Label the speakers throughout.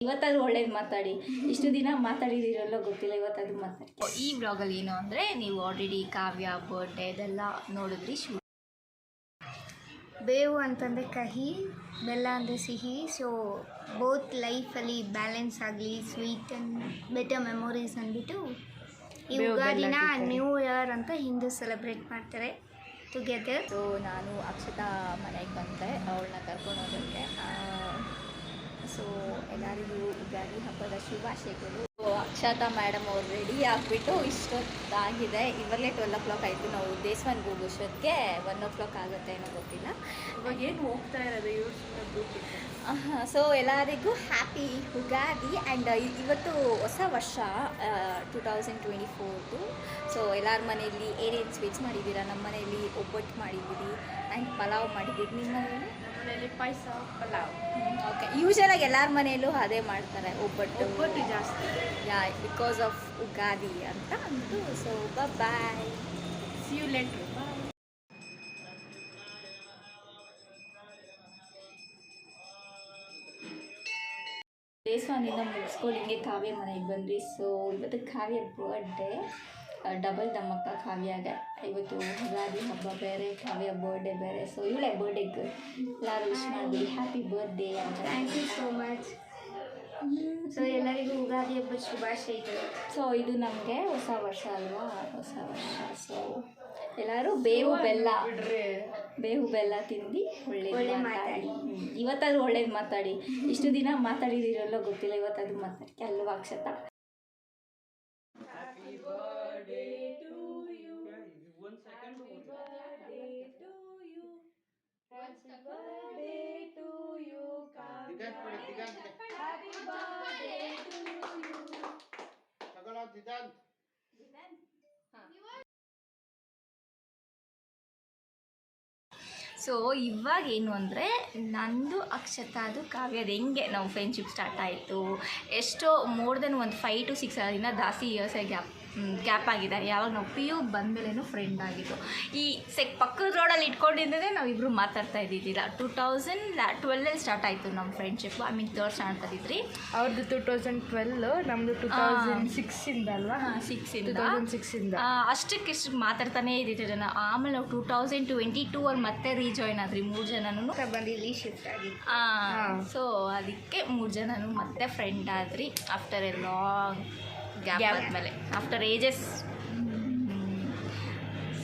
Speaker 1: ಇವತ್ತಾದ್ರೂ ಒಳ್ಳೇದು ಮಾತಾಡಿ. ಇಷ್ಟು ದಿನ ಮಾತಾಡಿದಿರಲ್ಲ ಗೊತ್ತಿಲ್ಲ, ಇವತ್ತಾದ್ರೂ ಮಾತಾಡಿ. ಈ ಬ್ಲಾಗಲ್ಲಿ ಏನು ಅಂದರೆ, ನೀವು ಆಲ್ರೆಡಿ ಕಾವ್ಯ ಬರ್ಡೇ ಇದೆಲ್ಲ ನೋಡಿದ್ರಿ.
Speaker 2: ಬೇವು ಅಂತಂದರೆ ಕಹಿ, ಬೆಲ್ಲ ಅಂದರೆ ಸಿಹಿ. ಸೊ ಬೋತ್ ಲೈಫಲ್ಲಿ ಬ್ಯಾಲೆನ್ಸ್ ಆಗಲಿ, ಸ್ವೀಟ್ ಆ್ಯಂಡ್ ಬೆಟರ್ ಮೆಮೊರೀಸ್ ಅಂದ್ಬಿಟ್ಟು ಈ ಯುಗಾದಿನ ನ್ಯೂ ಇಯರ್ ಅಂತ ಹಿಂದೂ ಸೆಲೆಬ್ರೇಟ್ ಮಾಡ್ತಾರೆ ಟುಗೆದರ್.
Speaker 1: ಸೊ ನಾನು ಅಕ್ಷತಾ ಮನೆಗೆ ಬಂದೆ ಅವಳನ್ನ ಕರ್ಕೊಂಡು ಹೋಗೋಕ್ಕೆ. ಸೊ ಎಲ್ಲರಿಗೂ ಯುಗಾದಿ ಹಬ್ಬದ ಶುಭಾಶಯಗಳು. ಅಕ್ಷತಾ ಮೇಡಮ್ ಅವ್ರು ರೆಡಿ ಆಗಿಬಿಟ್ಟು ಇಷ್ಟೊತ್ತಾಗಿದೆ, ಇವಾಗಲೇ 12 o'clock ಆಯಿತು. ನಾವು ದೇವಸ್ಥಾನಕ್ಕೆ ಹೋಗೋಷ್ಟೊತ್ತಿಗೆ 1 o'clock ಆಗುತ್ತೆ ಏನೋ ಗೊತ್ತಿಲ್ಲ.
Speaker 2: ಇವಾಗ ಏನು ಹೋಗ್ತಾ ಇರೋದು
Speaker 1: ಸೊ ಎಲ್ಲರಿಗೂ ಹ್ಯಾಪಿ ಯುಗಾದಿ. ಆ್ಯಂಡ್ ಇವತ್ತು ಹೊಸ ವರ್ಷ 2024. ಸೊ ಎಲ್ಲರ ಮನೆಯಲ್ಲಿ ಏನೇನು ಸ್ವೀಟ್ಸ್ ಮಾಡಿದ್ದೀರಾ? ನಮ್ಮ ಮನೆಯಲ್ಲಿ ಒಬ್ಬಟ್ಟು ಮಾಡಿದ್ದೀವಿ ಆ್ಯಂಡ್ ಪಲಾವ್ ಮಾಡಿದ್ದೀವಿ. ನಿಮ್ಮ
Speaker 2: ಮನೆಯಲ್ಲಿ ಪಾಯಸ, ಪಲಾವ್.
Speaker 1: ಓಕೆ, ಯೂಶಲಾಗಿ ಎಲ್ಲರ ಮನೆಯಲ್ಲೂ ಅದೇ ಮಾಡ್ತಾರೆ, ಒಬ್ಬಟ್ಟು
Speaker 2: ಜಾಸ್ತಿ.
Speaker 1: ಯಾ, ಬಿಕಾಸ್ ಆಫ್ ಯುಗಾದಿ ಅಂತ ಅಂದು. So bye,
Speaker 2: see you later. Bye.
Speaker 1: ದೇವಸ್ಥಾನದಿಂದ ಮುಗಿಸ್ಕೊಂಡು ಹಿಂಗೆ ಕಾವ್ಯ ಮನೆಗೆ ಬಂದ್ವಿ. ಸೊ ಇವತ್ತು ಕಾವ್ಯ ಬರ್ಡೇ, ಡಬಲ್ ದಮ್ಮಕ್ಕ ಕಾವ್ಯಾಗೆ. ಇವತ್ತು ಯುಗಾದಿ ಹಬ್ಬ ಬೇರೆ, ಕಾವ್ಯ ಬರ್ಡೇ ಬೇರೆ. ಸೊ ಇವಳೇ ಬರ್ಡೇಗೆ ಎಲ್ಲರೂ ವಿಶ್ ಮಾಡಿದ್ವಿ, ಹ್ಯಾಪಿ ಬರ್ಡೇ ಅಂತ.
Speaker 2: Thank you so much. So ಎಲ್ಲರಿಗೂ ಯುಗಾದಿ ಹಬ್ಬದ ಶುಭಾಶಯಗಳು.
Speaker 1: ಸೊ ಇದು ನಮಗೆ ಹೊಸ ವರ್ಷ ಅಲ್ವಾ, ಹೊಸ ವರ್ಷ. ಸೊ ಎಲ್ಲರೂ ಬೇವು ಬೆಲ್ಲ ತಿಂದು ಒಳ್ಳೆ ಮಾತಾಡಿ. ಇವತ್ತಾದ್ರೂ ಒಳ್ಳೇದು ಮಾತಾಡಿ. ಇಷ್ಟು ದಿನ ಮಾತಾಡಿದಿರಲ್ಲ ಗೊತ್ತಿಲ್ಲ, ಇವತ್ತಾದ್ರೂ ಮಾತಾಡಿ ಅಲ್ವಾ ಅಕ್ಷತಾ? ಸೊ ಇವಾಗ ಏನು ಅಂದರೆ, ನಂದು ಅಕ್ಷತಾದು ಕಾವ್ಯದ ಹೆಂಗೆ ನಾವು ಫ್ರೆಂಡ್ಶಿಪ್ ಸ್ಟಾರ್ಟ್ ಆಯಿತು, ಎಷ್ಟೋ ಮೋರ್ ದೆನ್ ಒಂದು 5 to 6 ಅದರಿಂದ ಜಾಸ್ತಿ ಇಯರ್ಸೇ ಗ್ಯಾಪ್ ಆಗಿದೆ. ಯಾವಾಗ ನಾವು PU ಬಂದಮೇಲೇನು ಫ್ರೆಂಡ್ ಆಗಿದ್ದು. ಈ ಪಕ್ಕದ ರೋಡಲ್ಲಿ ಇಟ್ಕೊಂಡಿದ್ದೇ ನಾವಿಬ್ಬರು ಮಾತಾಡ್ತಾ ಇದ್ದಿದ್ದಿಲ್ಲ. 2012 ಸ್ಟಾರ್ಟ್ ಆಯಿತು ನಮ್ಮ friendship. I mean 3rd standard ಇದ್ರಿ.
Speaker 2: ಅವ್ರದ್ದು 2012, ನಮ್ಮದು 2006 ಅಲ್ವಾ?
Speaker 1: 2006 ಅಷ್ಟಕ್ಕಿಷ್ಟು ಮಾತಾಡ್ತಾನೇ ಇದ್ದಿದ್ದೆ ನಾನು. ಆಮೇಲೆ ನಾವು 2022 ಅವ್ರು ಮತ್ತೆ ರೀಜಾಯ್ನ್ ಆದ್ರಿ 3 ಜನನೂ
Speaker 2: ಬಂದು ಇಲ್ಲಿ ಶಿಫ್ಟ್ ಆಗಿ.
Speaker 1: ಸೊ ಅದಕ್ಕೆ 3 ಜನನೂ ಮತ್ತೆ ಫ್ರೆಂಡ್ ಆದ್ರಿ ಆಫ್ಟರ್ ಎ ಲಾಂಗ್ ಗ್ಯಾಪ್ ಆದಮೇಲೆ, ಆಫ್ಟರ್ ಏಜಸ್. ಸೊ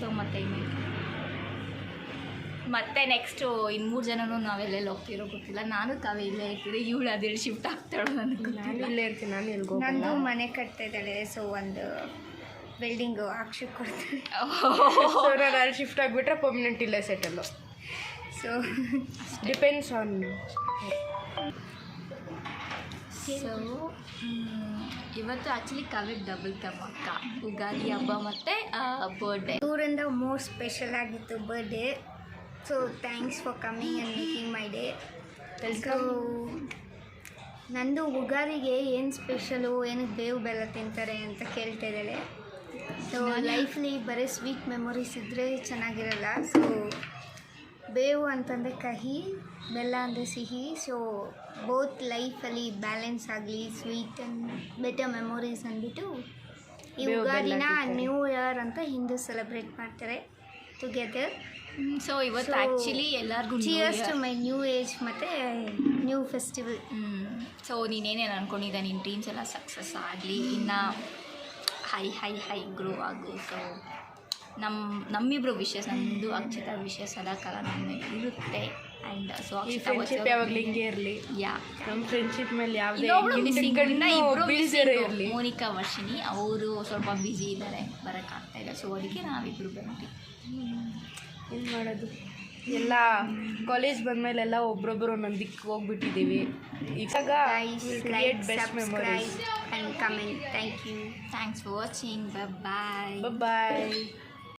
Speaker 1: ಮತ್ತೆ ನೆಕ್ಸ್ಟು ಇನ್ನು 3 ಜನನೂ ನಾವೆಲ್ಲೆಲ್ಲಿ ಹೋಗ್ತಿರೋ ಗೊತ್ತಿಲ್ಲ. ನಾನು ತಾವೇ ಇಲ್ಲೇ ಇರ್ತೀವಿ, ಇವಳು ಅದೇಳಿ ಶಿಫ್ಟ್ ಆಗ್ತಾಳೋ ನನಗೆ.
Speaker 2: ನಾನು ಇಲ್ಲೇ ಇರ್ತೀನಿ, ನಾನು ಎಲ್ಗೋ. ನಂದು ಮನೆ ಕಟ್ತಾ ಇದ್ದಾಳೆ. ಸೊ ಒಂದು ಬಿಲ್ಡಿಂಗು ಅಕ್ಷಕ್ಕೆ ಕೊಡ್ತೀನಿ. ಸೊ ನಾನು ಅಲ್ಲಿ ಶಿಫ್ಟ್ ಆಗಿಬಿಟ್ರೆ ಪರ್ಮನೆಂಟ್ ಇಲ್ಲೇ settle. So depends on.
Speaker 1: So ಇವತ್ತು ಆ್ಯಕ್ಚುಲಿ ಕಾವ್ಯಕ್ಕೆ ಡಬಲ್ ದಮ್ಮಕ್ಕ, ಯುಗಾದಿ ಹಬ್ಬ ಮತ್ತು ಬರ್ಡೇ.
Speaker 2: ಟೂರಿಂದ ಮೋರ್ ಸ್ಪೆಷಲ್ ಆಗಿತ್ತು birthday. So thanks for coming and making my day. So ನಂದು ಯುಗಾದಿಗೆ ಏನು ಸ್ಪೆಷಲು, ಏನಕ್ಕೆ ಬೇವು ಬೆಲ್ಲ ತಿಂತಾರೆ ಅಂತ ಕೇಳ್ತಾ ಇದ್ದಾಳೆ. ಸೊ ಲೈಫ್ಲಿ ಬರೀ ಸ್ವೀಟ್ ಮೆಮೊರೀಸ್ ಇದ್ದರೆ ಚೆನ್ನಾಗಿರಲ್ಲ. ಸೊ ಬೇವು ಅಂತಂದರೆ ಕಹಿ, ಬೆಲ್ಲ ಅಂದರೆ ಸಿಹಿ. ಸೊ ಬೋತ್ ಲೈಫಲ್ಲಿ ಬ್ಯಾಲೆನ್ಸ್ ಆಗಲಿ, ಸ್ವೀಟ್ ಆ್ಯಂಡ್ ಬೆಟರ್ ಮೆಮೊರೀಸ್ ಅಂದ್ಬಿಟ್ಟು ಈ ಯುಗಾದಿನ ನ್ಯೂ ಇಯರ್ ಅಂತ ಹಿಂದೂ ಸೆಲೆಬ್ರೇಟ್ ಮಾಡ್ತಾರೆ ಟುಗೆದರ್.
Speaker 1: ಸೊ ಇವತ್ತು ಆ್ಯಕ್ಚುಲಿ ಎಲ್ಲರಿಗೂ
Speaker 2: cheers to my new age ಮತ್ತು ನ್ಯೂ ಫೆಸ್ಟಿವಲ್.
Speaker 1: ಸೊ ನೀನೇನೇನು ಅಂದ್ಕೊಂಡಿದ್ದೆ, ನಿನ್ನ ಡ್ರೀಮ್ಸ್ ಎಲ್ಲ ಸಕ್ಸಸ್ ಆಗಲಿ, ಇನ್ನು ಹೈ ಗ್ರೋ ಆಗು. ಸೊ ನಮ್ಮಿಬ್ರು ವಿಷಸ್, ನಮ್ಮದು ಅಕ್ಷತಾ ವಿಷಯ ಸದಾಕಾಲ ನಮ್ಮ ಇರುತ್ತೆ. ಆ್ಯಂಡ್ ಸೊ
Speaker 2: ಫ್ರೆಂಡ್ಶಿಪ್ ಯಾವಾಗಲೂ ಹಿಂಗೆ ಇರಲಿ. ನಮ್ಮ ಫ್ರೆಂಡ್ಶಿಪ್ ಮೇಲೆ ಯಾವುದೇ
Speaker 1: ಇರಲಿ. ಮೋನಿಕಾ ವರ್ಷಿಣಿ ಅವರು ಸ್ವಲ್ಪ ಬ್ಯುಸಿ ಇದ್ದಾರೆ, ಬರೋಕ್ಕಾಗ್ತಾ ಇಲ್ಲ. ಸೊ ಅದಕ್ಕೆ ನಾವಿಬ್ಬರು ಬಂದ್ವಿ.
Speaker 2: ಏನು ಮಾಡೋದು, ಎಲ್ಲ ಕಾಲೇಜ್ ಬಂದಮೇಲೆ ಎಲ್ಲ ಒಬ್ರೊಬ್ಬರು ಒಂದೊಂದು ದಿಕ್ಕು ಹೋಗ್ಬಿಟ್ಟಿದ್ದೀವಿ. ಈಗ create best memories and comment. Thank you.
Speaker 1: Thanks for watching. Bye.
Speaker 2: Bye.